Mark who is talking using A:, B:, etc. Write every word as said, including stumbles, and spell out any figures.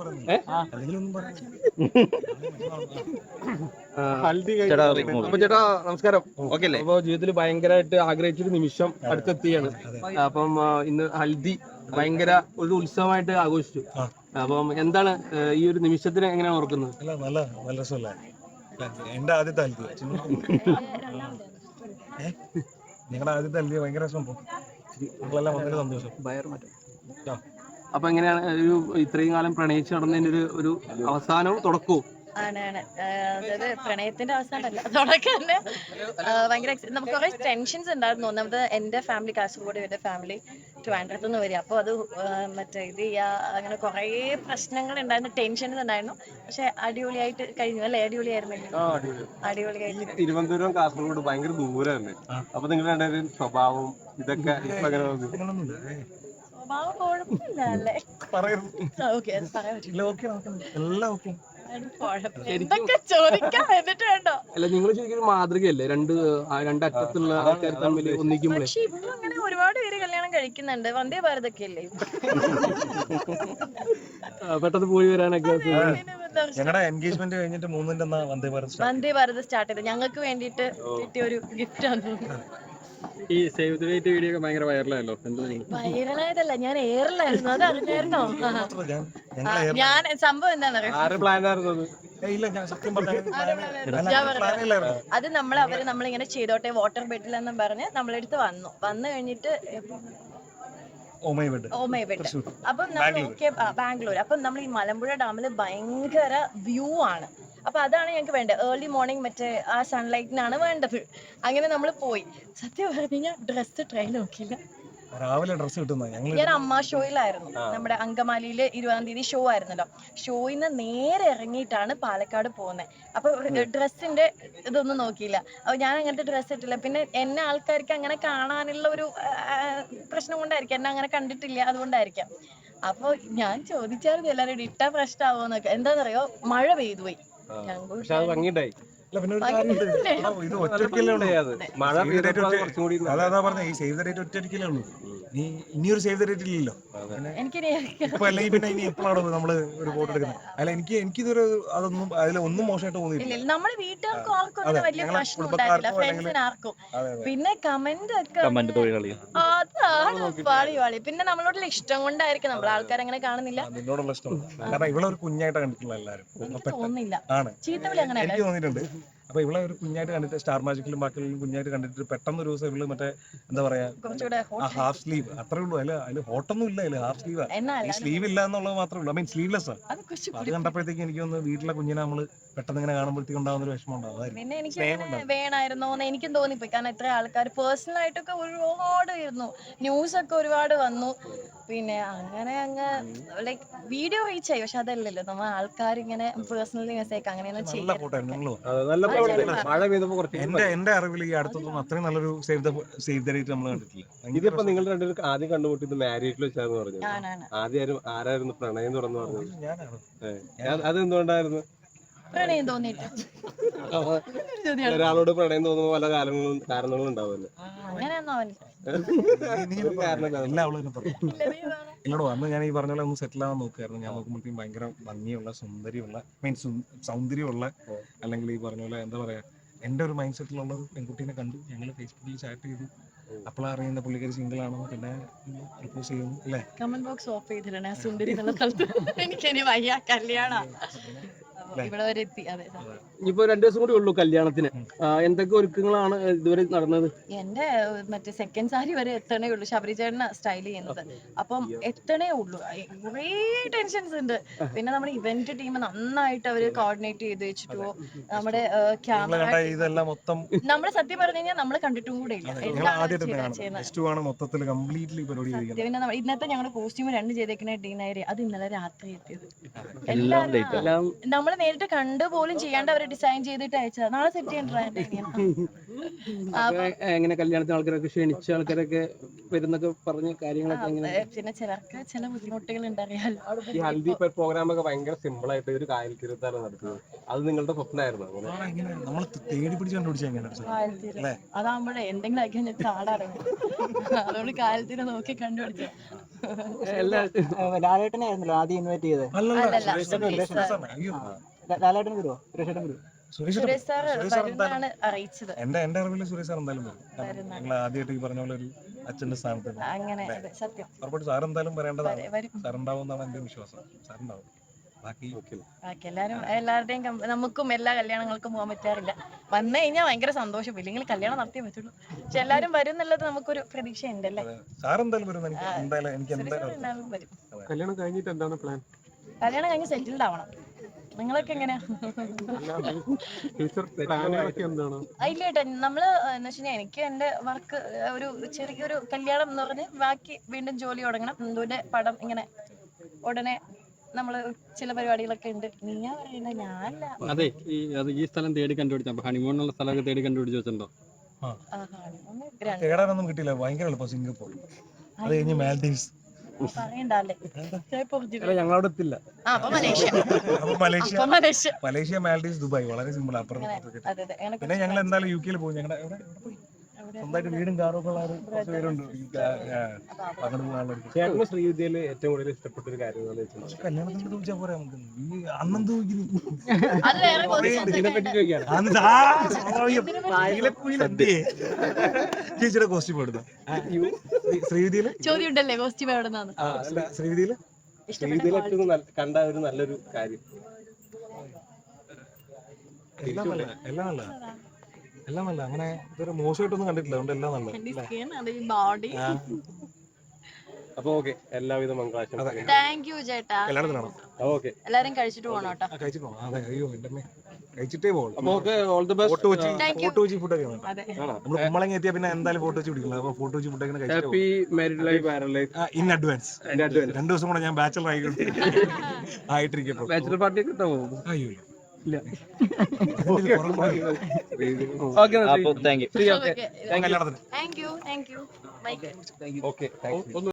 A: അപ്പൊ ചേട്ടാ നമസ്കാരം. ഓക്കെ അല്ലേ? അപ്പൊ ജീവിതത്തിൽ ഭയങ്കരമായിട്ട് ആഗ്രഹിച്ചൊരു നിമിഷം അടുത്തെത്തിയാണ്. അപ്പം ഇന്ന് ഹൽദി ഭയങ്കര ഒരു ഉത്സവമായിട്ട് ആഘോഷിച്ചു. അപ്പം എന്താണ് ഈ ഒരു നിമിഷത്തിന് എങ്ങനെയാണ് ഓർക്കുന്നത്?
B: നല്ല നല്ല രസമല്ലേ? എന്റെ ആദ്യത്തെ ഹൽദി, നിങ്ങളുടെ ആദ്യത്തെ ഹൽദി ഭയങ്കര രസം. നിങ്ങളെല്ലാം വളരെ സന്തോഷം.
A: അപ്പൊ എങ്ങനെയാണ് ഒരു ഇത്രയും കാലം പ്രണയിച്ച് നടന്നതിന്റെ ഒരു ഒരു അവസാനവും തുടക്കവും?
C: ആണ് അതായത് പ്രണയത്തിന്റെ അവസാനമല്ല, തുടക്കം തന്നെ ഭയങ്കര നമുക്ക് കുറെ ടെൻഷൻസ് ഉണ്ടായിരുന്നു. ഒന്നാമത് എന്റെ ഫാമിലി കാസർഗോഡ്, എന്റെ ഫാമിലി ട്രിവാൻഡ്രത്ത് നിന്ന് വരിക. അപ്പോൾ അത് മറ്റേ ഇത് ചെയ്യാ അങ്ങനെ കുറെ പ്രശ്നങ്ങൾ ഉണ്ടായിരുന്നു, ടെൻഷൻസ് ഉണ്ടായിരുന്നു. പക്ഷെ അടിപൊളിയായിട്ട് കഴിഞ്ഞു അല്ലേ? അടിപൊളിയായിരുന്നില്ല? അടിപൊളിയായിട്ട്.
A: തിരുവനന്തപുരം കാസർഗോഡ് ഭയങ്കര ദൂരമല്ലേ? അപ്പൊ നിങ്ങളുടെ സ്വഭാവം ഇതൊക്കെ
C: സ്വഭാവം കുഴപ്പമില്ല അല്ലേ? ഓക്കെ പറയാൻ പറ്റില്ല. എന്തൊക്കെ ചോദിക്കാം എന്നിട്ട് വേണ്ടോ?
A: അല്ല, നിങ്ങൾ ശരിക്കും മാതൃകയല്ലേ? രണ്ട് രണ്ടറ്റത്തുള്ള ആൾക്കാർ തമ്മിൽ ഒന്നിക്കുമ്പോൾ.
C: പക്ഷെ ഇപ്പൊ അങ്ങനെ ഒരുപാട് പേര് കല്യാണം കഴിക്കുന്നുണ്ട്. വന്ദേ ഭാരതൊക്കെ അല്ലേ
A: പെട്ടെന്ന് പോയി വരാനൊക്കെ.
B: ഞങ്ങളുടെ എൻഗേജ്മെന്റ് കഴിഞ്ഞിട്ട് മൂന്നിന്റെ വന്ദേ ഭാരത്
C: വന്ദേ ഭാരത് സ്റ്റാർട്ട് ചെയ്ത് ഞങ്ങൾക്ക് വേണ്ടിയിട്ട് കിട്ടിയ ഒരു ഗിഫ്റ്റ് ആണ്.
A: ഈ സേവ് ദ ഡേറ്റ് വീഡിയോ ഒക്കെ ഭയങ്കര വൈറലായല്ലോ.
C: വൈറലായതല്ല, ഞാൻ എയറിലായിരുന്നു. അത് അറിഞ്ഞായിരുന്നോ? ഞാൻ സംഭവം എന്താണെന്നറിയാം, അത് നമ്മൾ അവര് നമ്മളിങ്ങനെ ചെയ്തോട്ടെ വാട്ടർ ബെഡിൽ എന്ന് പറഞ്ഞ് നമ്മളെടുത്ത് വന്നു. വന്നു കഴിഞ്ഞിട്ട് അപ്പം നമ്മൾ ഓക്കെ ബാംഗ്ലൂർ. അപ്പം നമ്മൾ ഈ മലമ്പുഴ ഡാമില് ഭയങ്കര വ്യൂ ആണ്. അപ്പൊ അതാണ് ഞങ്ങൾക്ക് വേണ്ടത്. ഏർലി മോർണിംഗ് മറ്റേ ആ സൺലൈറ്റിനാണ് വേണ്ടത്. അങ്ങനെ നമ്മൾ പോയി. സത്യം പറഞ്ഞു കഴിഞ്ഞാൽ ഡ്രസ് ട്രൈ നോക്കിയില്ല.
B: രാവിലെ ഡ്രസ് കിട്ടുന്ന
C: ഞാൻ അമ്മ ഷോയിലായിരുന്നു. നമ്മുടെ അങ്കമാലിയില് ഇരുപതാം തീയതി ഷോ ആയിരുന്നല്ലോ. ഷോയിന്ന് നേരെ ഇറങ്ങിയിട്ടാണ് പാലക്കാട് പോകുന്നത്. അപ്പൊ ഡ്രസ്സിന്റെ ഇതൊന്നും നോക്കിയില്ല. അപ്പൊ ഞാൻ അങ്ങനത്തെ ഡ്രസ്സ് ഇട്ടില്ല. പിന്നെ എന്നെ ആൾക്കാർക്ക് അങ്ങനെ കാണാനുള്ള ഒരു പ്രശ്നം കൊണ്ടായിരിക്കും, എന്നെ അങ്ങനെ കണ്ടിട്ടില്ല, അതുകൊണ്ടായിരിക്കാം. അപ്പൊ ഞാൻ ചോദിച്ചായിരുന്നു എല്ലാവരും ഇട്ടാ പ്രശ്നമാവോന്നൊക്കെ. എന്താണെന്നറിയോ, മഴ പെയ്തു പോയി.
B: അതാ പറഞ്ഞ ഈ സേവ് ദ ഡേറ്റ് ഒറ്റയടിക്കലേ ഉള്ളൂ. നീ ഇനിയൊരു സേവ് ദ ഡേറ്റ് ഇല്ലല്ലോ. ഇപ്പൊ അല്ലെങ്കിൽ പിന്നെ ഇനി എപ്പോഴാണ് നമ്മള് ഒരു ഫോട്ടോ എടുക്കുന്നത്? അല്ല, എനിക്ക് എനിക്കിതൊരു അതൊന്നും അതിൽ ഒന്നും മോശമായിട്ട് തോന്നിയില്ല.
C: നമ്മള് വീട്ടുകാർക്കും ആർക്കും വലിയ പ്രശ്നം ഉണ്ടായിട്ടില്ല, ഫ്രണ്ട്സിന് ആർക്കും. പിന്നെ കമന്റ് ഒക്കെ അതാണ് പാളി പാളി. പിന്നെ നമ്മളോടുള്ള ഇഷ്ടം കൊണ്ടായിരിക്കും, നമ്മൾ ആൾക്കാർ അങ്ങനെ കാണുന്നില്ല.
B: നിന്നോടുള്ള ഇഷ്ടം കാരണം ഇവിടെ ഒരു കുഞ്ഞായിട്ട് കണ്ടിട്ടുള്ള എല്ലാവരും
C: തോന്നുന്നില്ല.
B: ആണ്, എനിക്ക് തോന്നിയിട്ടുണ്ട്. അപ്പൊ ഇവിടെ ഒരു കുഞ്ഞായിട്ട് കണ്ടിട്ട് സ്റ്റാർ മാജിക്കിലും ബാക്കിയുള്ള കുഞ്ഞായിട്ട് കണ്ടിട്ട് പെട്ടെന്ന് ഒരു ദിവസം ഇവള് മറ്റേ എന്താ പറയാ ഹാഫ് സ്ലീവ് അത്രേ ഉള്ളൂ. അതില് അതില് ഹോട്ടൊന്നും ഇല്ല, അതില് ഹാഫ് സ്ലീവ്. ഈ സ്ലീവ് ഇല്ല എന്നുള്ളത് മാത്രമേ ഉള്ളൂ. I mean sleeveless. അത് കണ്ടപ്പോഴത്തേക്ക് എനിക്ക് തോന്നുന്നു വീട്ടിലെ കുഞ്ഞിനെ നമ്മള് പെട്ടെന്ന് ഇങ്ങനെ കാണുമ്പോഴത്തേക്ക് ഉണ്ടാകുന്ന ഒരു വിഷമം ഉണ്ടാവും.
C: പിന്നെ എനിക്ക് വേണമായിരുന്നോ എന്ന് എനിക്കും തോന്നിപ്പോയി. കാരണം ഇത്ര ആൾക്കാർ പേഴ്സണൽ ആയിട്ടൊക്കെ ഒരുപാട് വരുന്നു, ന്യൂസ് ഒക്കെ ഒരുപാട് വന്നു. പിന്നെ അങ്ങനെ അങ്ങ് ലൈക്ക് വീഡിയോ റീച്ച് ആയി. പക്ഷെ അതല്ലല്ലോ, നമ്മൾ ആൾക്കാർ ഇങ്ങനെ പേഴ്സണലി മെസ്സേജ് അങ്ങനെയൊന്നും ചെയ്യും.
B: എന്റെ എന്റെ അറിവിൽ ഈ അടുത്തൊന്നും അത്രയും നല്ലൊരു save the save the date നമ്മൾ കണ്ടിട്ടില്ല.
A: ഇതിപ്പോ നിങ്ങൾ രണ്ടുപേരും ആദ്യം കണ്ടുമുട്ടിയത് മാരീഡിൽ വെച്ചാന്ന് പറഞ്ഞു. ആദ്യം ആരായിരുന്നു പ്രണയം തുറന്നു പറഞ്ഞത്?
B: ഞാനാണ്.
A: അത് എന്തുകൊണ്ടായിരുന്നു
C: പ്രണയം തോന്നിയിട്ട്?
A: ഒരാളോട് പ്രണയം തോന്നുമ്പോ പല കാരണങ്ങളും കാരണങ്ങളും ഉണ്ടാവുമല്ലോ.
B: എന്നോട് വന്ന് ഞാൻ ഈ പറഞ്ഞ പോലെ ഒന്ന് സെറ്റിൽ ആവാൻ നോക്കുമായിരുന്നു. ഞാൻ നോക്കുമ്പോഴത്തേക്കും ഭയങ്കര ഭംഗിയുള്ള സുന്ദരിയുള്ള മീൻസ് സൗന്ദര്യമുള്ള അല്ലെങ്കിൽ ഈ പറഞ്ഞ പോലെ എന്താ പറയാ എന്റെ ഒരു മൈൻഡ് സെറ്റിലുള്ള ഒരു പെൺകുട്ടീനെ കണ്ടു. ഞങ്ങൾ ഫേസ്ബുക്കിൽ ചാറ്റ് ചെയ്തു. അപ്പോൾ അറിയുന്ന പുള്ളിക്കാരി സിംഗിൾ ആണെന്ന്. പിന്നെ പ്രപ്പോസ് ചെയ്യുന്നു അല്ലേ?
C: കമന്റ് ബോക്സ് ഓഫ് ചെയ്തിട്ടുണ്ട് സുന്ദരി എന്നുള്ള സ്ഥലത്ത്. എനിക്കിനി വയ്യ, കല്യാണം ഇവിടെ വരെ എത്തി. അതെ,
A: ഇനിയിപ്പോ രണ്ടു ദിവസം കൂടി ഉള്ളൂ കല്യാണത്തിന്. എന്തൊക്കെ ഒരുക്കങ്ങളാണ് ഇതുവരെ നടന്നത്?
C: എന്റെ മറ്റേ സെക്കൻഡ് സാരി വരെ എത്തണേ ഉള്ളൂ. ശബരി ചേട്ടന സ്റ്റൈൽ ചെയ്യുന്നത്. അപ്പം എത്തണേ ഉള്ളൂ. കുറേ ടെൻഷൻസ് ഉണ്ട്. പിന്നെ നമ്മുടെ ഇവന്റ് ടീം നന്നായിട്ട് അവര് കോർഡിനേറ്റ് ചെയ്ത് വെച്ചിട്ടോ നമ്മുടെ ക്യാമറ നമ്മള് സത്യം പറഞ്ഞു കഴിഞ്ഞാൽ നമ്മള് കണ്ടിട്ടും കൂടെ ഇല്ല. പിന്നെ ഇന്നത്തെ ഞങ്ങളുടെ കോസ്റ്റ്യൂം രണ്ട് ചെയ്തേക്കുന്ന ഡീനായി അത് ഇന്നലെ രാത്രി എത്തിയത്. എല്ലാം നമ്മള് നേരിട്ട് കണ്ടു പോലും ചെയ്യാണ്ട് അവര് ഡിസൈൻ ചെയ്തിട്ട് അയച്ചത്. നാളെ സെറ്റ് ചെയ്യണ്ട.
A: എങ്ങനെ കല്യാണത്തിന് ആൾക്കാരൊക്കെ ക്ഷണിച്ച ആൾക്കാരൊക്കെ വരുന്നൊക്കെ പറഞ്ഞ കാര്യങ്ങളൊക്കെ
C: പിന്നെ ചിലർക്ക് ചില ബുദ്ധിമുട്ടുകൾ ഉണ്ടറിയാലോ.
A: ഈ ഹൽദി പ്രോഗ്രാം ഒക്കെ ഭയങ്കര സിമ്പിൾ ആയിട്ട് ഒരു കായൽ തീരത്താണ് നടത്തുന്നത്. അത് നിങ്ങളുടെ സ്വപ്നമായിരുന്നു?
C: അതാകുമ്പോഴേ എന്തെങ്കിലും ആക്കി ചാടാറുണ്ട്. അതുകൊണ്ട് കായൽ തീരം നോക്കി കണ്ടുപിടിച്ചു.
A: എല്ലാ
D: ലാലേട്ടനെ ആയിരുന്നല്ലോ ആദ്യം ഇൻവൈറ്റ് ചെയ്തത്.
B: അല്ലല്ല
C: അല്ലല്ല,
B: സുരേഷ്
C: സുരേഷ്
B: സുരേഷ്
C: സാർ.
B: സാറിനെ. അയ്യോ
D: ലാ- ലാലേട്ടൻ വരുമോ? സുരേഷേട്ടൻ വരുമോ?
B: സുരേഷ്
C: സുരേഷ് സാർ
B: സുരേഷ് സാർ എന്തായാലും
C: വരുന്നാണ് അറിയിച്ചത്.
B: എന്റെ എന്റെ അറിവിൽ സുരേഷ് സാർ എന്തായാലും വരും. കാരണം ഞങ്ങൾ ആദ്യമായിട്ട് ഈ പറഞ്ഞ പോലെ ഒരു അച്ഛന്റെ സ്ഥാനത്ത് നിന്ന്.
C: അങ്ങനെ അതെ, സത്യം
B: ഉറപ്പായിട്ട് സാർ എന്തായാലും വരേണ്ടതാണ്.
C: വരും.
B: സാർ ഉണ്ടാവും എന്നാണ് എന്റെ വിശ്വാസം. സാർ ഉണ്ടാവും. ബാക്കി
C: ബാക്കി എല്ലാരും എല്ലാവരുടെയും കം- നമുക്കും എല്ലാ കല്യാണങ്ങൾക്കും പോകാൻ പറ്റാറില്ല. വന്നു കഴിഞ്ഞാൽ ഭയങ്കര സന്തോഷം, ഇല്ലെങ്കിൽ കല്യാണം നടത്തിയേ പറ്റുള്ളൂ. പക്ഷെ എല്ലാരും വരും എന്നുള്ളത് നമുക്കൊരു പ്രതീക്ഷ ഉണ്ടല്ലേ.
B: സാർ എന്തായാലും വരും. എനിക്ക് എന്തായാലും എനിക്ക് എന്തായാലും
C: എല്ലാവരും വരും.
A: കല്യാണം കഴിഞ്ഞിട്ട് എന്താണ് പ്ലാൻ?
C: കല്യാണം കഴിഞ്ഞ് സെറ്റിൽഡ് ആവണം. നിങ്ങളൊക്കെ എങ്ങനെയാ?
A: ഫ്യൂച്ചർ പ്ലാനുകളൊക്കെ എന്താണ്?
C: ഇല്ല ഏട്ടാ, നമ്മള് എന്ന് വെച്ചാൽ എനിക്ക് എന്റെ വർക്ക് ഒരു ചെറിയൊരു കല്യാണം എന്ന് പറഞ്ഞ് ബാക്കി വീണ്ടും ജോലി തുടങ്ങണം. ഹിന്ദുവിന്റെ പടം ഇങ്ങനെ ഉടനെ നമ്മള് ചില പരിപാടികളൊക്കെ ഉണ്ട്. നീയാ പറയുന്നത്, ഞാനല്ല.
E: അതെ, ഈ അത് ഈ സ്ഥലം തേടി കണ്ടുപിടിച്ച ഹണിമൂണിനുള്ള സ്ഥലമൊക്കെ തേടി കണ്ടുപിടിച്ച് വെച്ചിട്ടുണ്ടോ?
C: ആഹാ, ഒന്ന് രണ്ട്
B: തേടാനൊന്നും കിട്ടിയില്ല. ഭയങ്കര എളുപ്പം സിംഗപ്പൂർ, അത് കഴിഞ്ഞ് മാൽഡീവ്സ്,
C: പറയണ്ടല്ലേ.
A: ഞങ്ങളവിടെ എത്തില്ല.
C: ആ, അപ്പൊ മലേഷ്യ.
B: അപ്പൊ മലേഷ്യ
C: അപ്പൊ മലേഷ്യ.
B: മലേഷ്യ മാൽഡീവ്സ് ദുബായ് വളരെ സിമ്പിൾ. അപ്പുറം ഇപ്പുറത്തൊക്കെ.
C: അതെ അതെ, അങ്ങനെ
B: പിന്നെ ഞങ്ങൾ എന്തായാലും യു കെയിൽ പോകും. ഞങ്ങളുടെ എവിടെ എവിടെ പോയി? സ്വന്തമായിട്ട് വീടും കാറും ഒക്കെ ഉള്ള ഒരു കുറച്ച് പേരുണ്ട്. ഈ കാ- ആ, അങ്ങോട്ട് പോകാനുള്ളവർക്ക്.
A: ചേട്ടന് ശ്രീവിദ്യയിൽ ഏറ്റവും കൂടുതൽ ഇഷ്ടപ്പെട്ട ഒരു കാര്യം എന്ന് വെച്ചാൽ
B: കല്യാണത്തിന് ചോദിച്ചാൽ പോരാ നമുക്ക്. ഈ അന്നും ചോദിക്കുന്നു.
C: അത് വേറെ positions ഒക്കെ
A: ഇതിനെ പറ്റി
C: ഉണ്ട്.
A: ചോദിക്കാണ്.
B: അന്ന് ആ സ്വാഭാവികം. നീലക്കുയിൽ എന്തേ? ചേച്ചിയുടെ കോസ്റ്റ്യൂം എടുത്ത ശ്രീവിധിയില്
C: ചോദ്യം ഉണ്ടല്ലേ കോസ്റ്റ്യൂം എവിടെ നിന്നാണ്
A: ആ, അല്ല,
B: ശ്രീവിധിയില്
A: ശ്രീവിദ്യയിൽ ഏറ്റവും നല്ല- കണ്ട ഒരു നല്ലൊരു കാര്യം.
B: എല്ലാം നല്ല എല്ലാം നല്ല എല്ലാം നല്ല. അങ്ങനെ ഇതൊരു മോശമായിട്ടൊന്നും കണ്ടിട്ടില്ല. അതുകൊണ്ട് എല്ലാം നല്ല.
C: ബോഡി.
A: അപ്പൊ ഓക്കെ, എല്ലാവിധ മംഗളാശംസകളും.
C: താങ്ക് യു ചേട്ടാ.
B: കല്യാണത്തിനാണോ?
A: ഓക്കെ,
C: എല്ലാരും കഴിച്ചിട്ട് പോകണം കേട്ടോ.
B: ആ, കഴിച്ചിട്ടോ? അതെ. അയ്യോ എന്റെ അമ്മേ, കഴിച്ചിട്ടേ പോകുള്ളൂ.
A: അപ്പൊ okay, all the best.
B: Photo വെച്ച്
C: Thank you.
B: ഫോട്ടോ വെച്ച് ഫുഡൊക്കെ വേണം.
C: അതെ,
B: നമ്മൾ കുമ്പളങ്ങി എത്തിയാൽ പിന്നെ എന്തായാലും ഫോട്ടോ വെച്ച് പിടിക്കില്ല. അപ്പൊ ഫോട്ടോ വെച്ച് ഫുഡൊക്കെ കഴിച്ചിട്ട്
A: happy married life, married life.
B: In advance. രണ്ടു ദിവസം കൂടെ ഞാൻ ബാച്ചലർ ആയി ആയിട്ടിരിക്കട്ടോ.
A: ബാച്ചുലർ പാർട്ടി ഒക്കെ ഉണ്ടാവോ?
B: അയ്യോ
A: ഇല്ല.
B: Okay
A: okay,
E: thank you.
A: ശരി, ഓക്കെ.
B: കല്യാണത്തിന്
C: thank you thank you mike.
A: Okay, thank U.